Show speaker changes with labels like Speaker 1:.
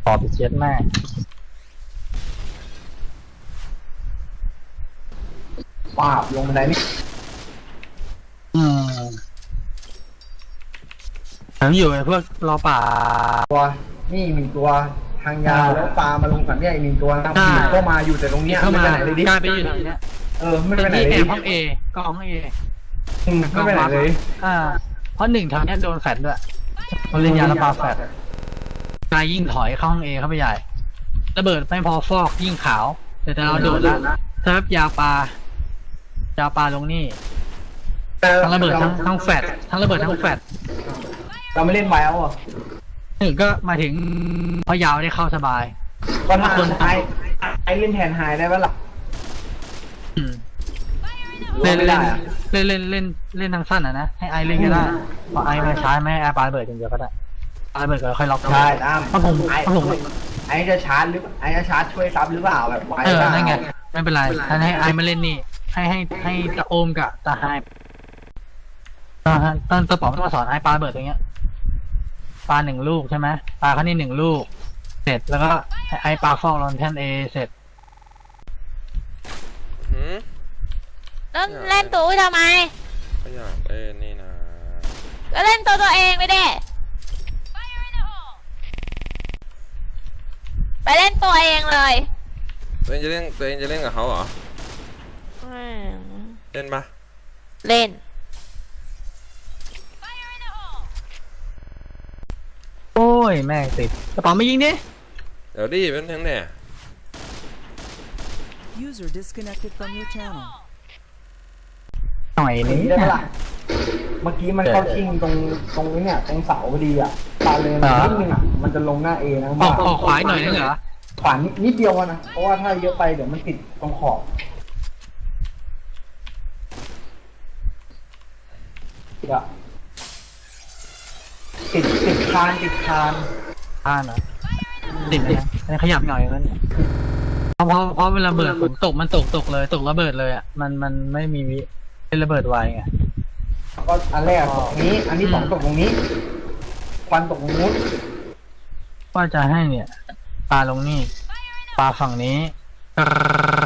Speaker 1: ขอไปเช็ดแม่
Speaker 2: ป้าบลงบันไดนี่
Speaker 1: ผมอยู่ไอ้พวกรอป่า
Speaker 2: ตัวนี่มีตัวทางยาวแล้วปลามาลงฝั่งเนี้ยอีกหนึ่งตัวนะก็มาอยู่แต่ตรงเนี้ย
Speaker 1: เข้ามา
Speaker 2: ไม่ไปไหนเลยดิ
Speaker 1: กลายไปอยู่ตรงเนี้ย
Speaker 2: ไม่ไปไหน
Speaker 1: ที่
Speaker 2: เล
Speaker 1: แอย บห้องเอก็ห้องเอ
Speaker 2: ไม่ไปไหนเลย
Speaker 1: เพราะหนึ่งทางเนี้ยโดนแฟดด้วยเขาเล่นยาระบาแฟดกายยิ่งถอยเข้าห้องเอเข้าไปใหญ่ระเบิดไม่พอฟอกยิ่งขาวแต่เราโดดแล้วถ้ายาปลลงนี่ทั้งระเบิดทั้งแฟดทั้งระเบิดทั้งแฟด
Speaker 2: เราไม่เล่นไวเอาอ่ะ
Speaker 1: หนึ่งก็มาถึงพอยาวได้เข้าสบาย
Speaker 2: ก็ถ้าคนไอเล่นแทนไฮได้ปะล่ะ
Speaker 1: เล่นทางสั้นนะให้ไอเล่นก็ได้พอไอมาใช้ไม่ให้ไอปาระเบิดอย่างเดียวก็ได้ปาระเบิดก็ค่อยล็อก
Speaker 2: ใช่ตาม
Speaker 1: ถ้าผม
Speaker 2: ไอจะชาร์จหรือไอจะชาร์จช่วยซับหรือเปล่าแบบไว
Speaker 1: นั่นไงไม่เป็นไรท่านให้ไอมาเล่นนี่ให้ตะโอมกับตาไฮตอนตะป๋องมาสอนไอปาระเบิดตรงเนี้ยปา1 ลูกใช่ไหมปาแค่นี้1 ลูกเสร็จแล้วก็ไอปาฟอกลอนแทนเอเสร็จ
Speaker 3: แล้วเล่นตัวทำไม
Speaker 4: ก็อยากเล่นนี่นะ
Speaker 3: ก็เล่นตัวเองไปดิไปเล่นตัวเองเลย
Speaker 4: ตัวเองจะเล่นกับเขาเหรอเล่นปะ
Speaker 3: เล่น
Speaker 1: โอ้ยแม่งติดกระเป๋าไม่ยิงดิ
Speaker 4: เดี๋ยวดิเป็นทั้งเนี่ย
Speaker 5: User disconnected from your channel
Speaker 1: หน่อยนี้
Speaker 2: ได้ปะล่ะเมื่อกี้มันเข้าชิงตรงนี้เนี่ยตรงเสาพอดีอ่ะตาเลยนิดนึงอ่ะมันจะลงหน้าเอนะ
Speaker 1: ออกขวาหน่อยนึงเหรอ
Speaker 2: ขวานิดเดียวนะเพราะว่าถ้าเยอะไปเดี๋ยวมันติดตรงขอบติดคาน
Speaker 1: นะติดเนี่ยขยับหน่อยนั้นเพราะเวลาเบิดฝนตกมันตกเลยตกระเบิดเลยอ่ะมันไม่มีวิเป็นระเบิดไวไง
Speaker 2: ก็อันแรกตกนี้อันที่2ตกตรงนี้ควันตกตรงนู้น
Speaker 1: ว่าจะให้เนี่ยปลาลงนี่ปลาฝั่งนี้